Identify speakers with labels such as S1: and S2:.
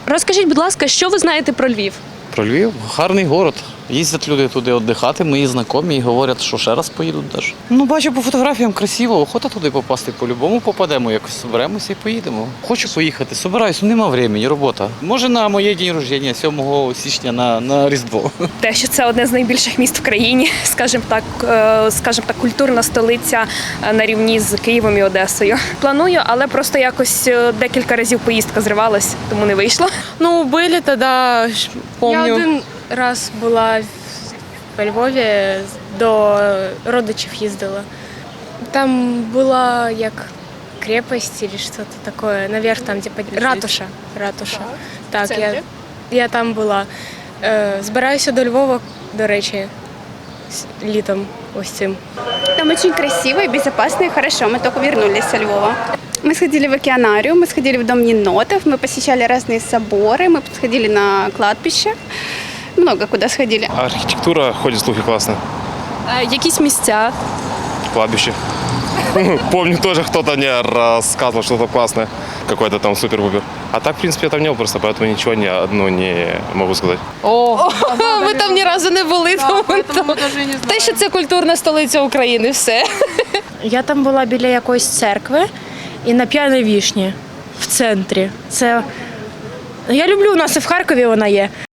S1: Розкажіть, будь ласка, що ви знаєте про Львів?
S2: Про Львів гарний город. Їздять люди туди віддихати, мої знайомі і говорять, що ще раз поїдуть навіть. Ну, бачу по фотографіям красиво, охота туди попасти по-любому, попадемо, якось зберемося і поїдемо. Хочу поїхати, собираюсь, нема времени, робота. Може на моє день рождення, 7 січня на Різдво.
S1: Те, що це одне з найбільших міст в країні, скажімо так, культурна столиця на рівні з Києвом і Одесою. Планую, але просто якось декілька разів поїздка зривалась, тому не вийшло.
S3: Ну, были тогда, помню.
S4: Я один раз була в Львові, до родичів їздила. Там була як крепость или что-то такое, наверх там, де ратуша. Так, я там була. Збираюся до Львова, до речі, літом ось цим.
S5: Там очень красиво и безопасно, и хорошо. Мы только вернулись со Львова. Мы сходили в океанарию, мы сходили в Дом енотов, мы посещали разные соборы, мы сходили на кладбище. Много куда сходили.
S6: Архитектура, ходят слухи, классно.
S1: Якісь місця.
S6: Кладбище. Помню, тоже кто-то мне рассказывал что-то классное. Какой-то там супер-пупер. А так, в принципе, я там не был просто, поэтому ничего не могу сказать.
S3: Ми там ні разу не були, тому те, що це культурна столиця України, все.
S7: Я там була біля якоїсь церкви і на П'яній Вішні в центрі. Я люблю, у нас і в Харкові вона є.